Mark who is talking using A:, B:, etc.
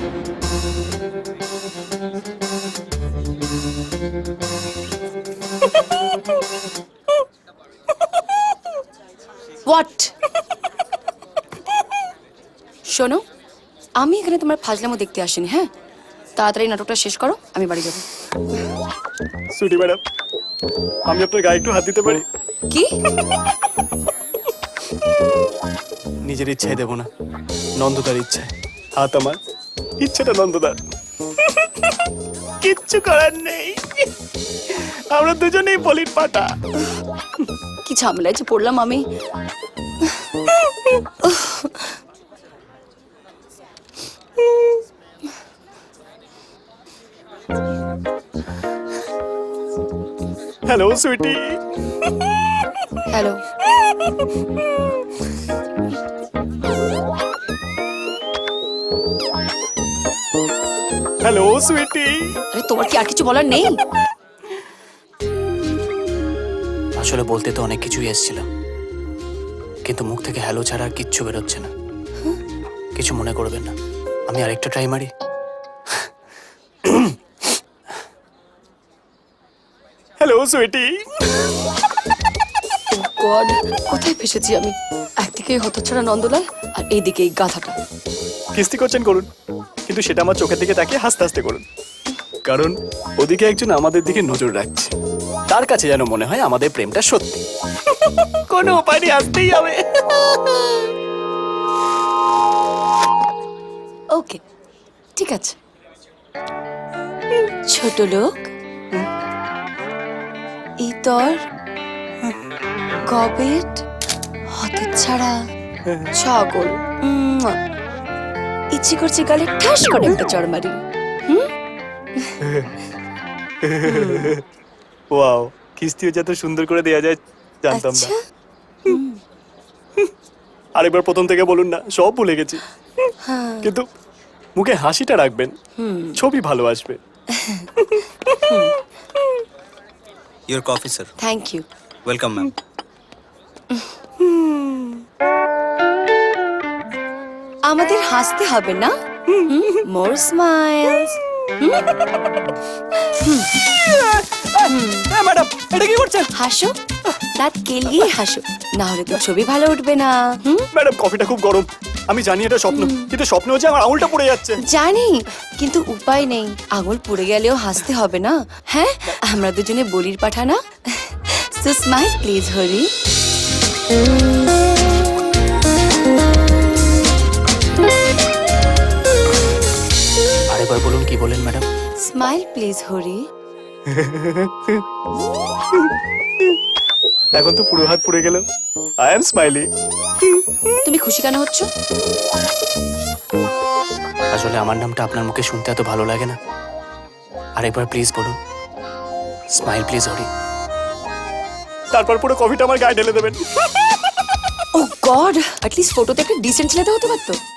A: What? শোনো, আমি এখানে তোমার ফাজলামো দেখতে আসিনি। হ্যাঁ, তাড়াতাড়ি নাটকটা শেষ করো, আমি বাড়ি যাবো।
B: সুইটি ম্যাডাম, আমি আপনার গায়ে একটু হাত দিতে পারি?
A: কি?
B: নিজের ইচ্ছায় দেবো না, নন্দদার ইচ্ছায়। হাত আমার, ইচ্ছাটা নন্দদার। কিচ্ছু করার নেই, আমরা দুজনেই বলির পাটা।
A: কি ঝামেলায় যে পড়লাম আমি।
B: Hello sweetie.
A: Hello.
B: Hello sweetie.
A: আরে তোমার কি আর কিছু বলার নেই?
B: আসলে বলতে তো অনেক কিছুই এসেছিল, কিন্তু মুখ থেকে হ্যালো ছাড়া আর কিচ্ছু বেরোচ্ছে না। কিছু মনে করবেন না, আমি আরেকটা ট্রাই মারি। হ্যালো সুইটি।
A: গড, কোথায় ফেসেছি আমি? একদিকে হতচ্ছাড়া নন্দলাল আর এইদিকে এই গাধাটা।
B: কিস্তি করছেন করুন, কিন্তু সেটা আমার চোখের দিকে তাকিয়ে হাসতে হাসতে করুন, কারণ ওদিকে একজন আমাদের দিকে নজর রাখছে। তার কাছে যেন মনে হয় আমাদের প্রেমটা সত্যি। কোনো উপায় নেই, আসতেই হবে।
A: ওকে, ঠিক আছে। ছোট লোক, ইতর, গবেট, হতচ্ছাড়া, ছাগল। ইচ্ছে করছে গালে ঠাস করে একটা চড় মারি।
B: ওয়াও, কিস্তিও যত সুন্দর করে দেয়া যায় জানতাম না।
A: আচ্ছা,
B: আরেকবার প্রথম থেকে বলুন না, সব ভুলে গেছি। কিন্তু মুখে হাসিটা রাখবেন, ছবি ভালো আসবে।
C: Your coffee, sir.
A: Thank you.
C: Welcome, ma'am.
A: আমাদের হাসতে হবে না? মোর স্মাইলস।
B: ম্যাডাম, এটা কি করছেন?
A: হাসো, দাঁত কেলিয়ে হাসো, না হলে তো ছবি ভালো উঠবে না।
B: ম্যাডাম, কফিটা খুব গরম। আমি জানি এটা স্বপ্ন, কিন্তু স্বপ্ন হচ্ছে আমার আঙুলটা পড়ে যাচ্ছে।
A: জানি, কিন্তু উপায় নেই। আঙুল পুড়ে গেলেও হাসতে হবে না? হ্যাঁ, আমরা দুজনে বলির পাঠা না? So smile please Hari.
B: আরেকবার বলুন, কি বলেন ম্যাডাম?
A: Smile please Hari.
B: এখন তো পুরো হাত পুড়ে গেল। I am smiley.
A: তুমি খুশি কেন হচ্ছ?
B: আসলে আমার নামটা আপনার মুখে শুনতে এত ভালো লাগে না। আরেকবার প্লিজ বলুন, স্মাইল প্লিজ হরি। তারপর পুরো কফিটা আমার গায়ে ঢেলে দেবেন।
A: ও গড, অ্যাটলিস্ট ফটোতে একটা ডিসেন্ট ছেলে তো হতে পারতো।